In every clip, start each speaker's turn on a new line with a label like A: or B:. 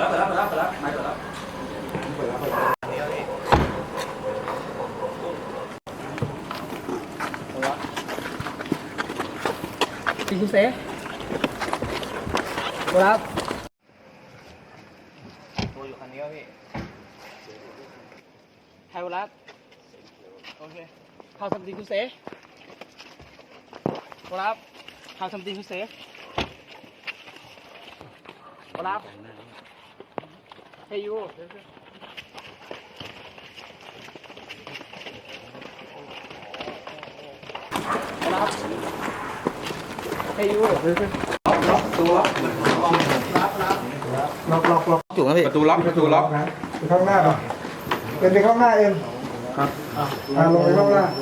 A: แล้วไม่เปิดแล้วตีคุณเซ่ครับตัวอยู่คันนี้ครับพี่ไทยวรัสโอเค How something to say ครับ How something to say ครับ Hey you ครับ Hey you ล็อกตัวล็อกจุกนะพี่ประตูล็อก
B: นะไปข้างหน้าป่ะเป็นไปข้างหน้าเองครับลงไปข้างหน้า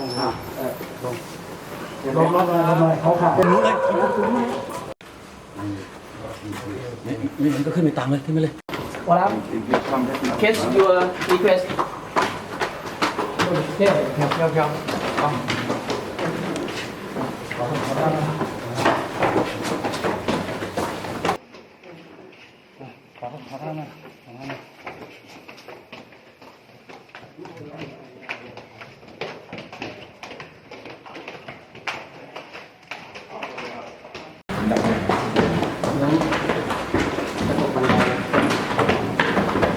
B: ลงมาทำไมเขาขับเป็นนู้นเลย
A: นี่มันก็ขึ้นไปตามเลยขึ้นไปเลยว่าแล้ว Catch your request ครับขอท่ามา
B: ดับ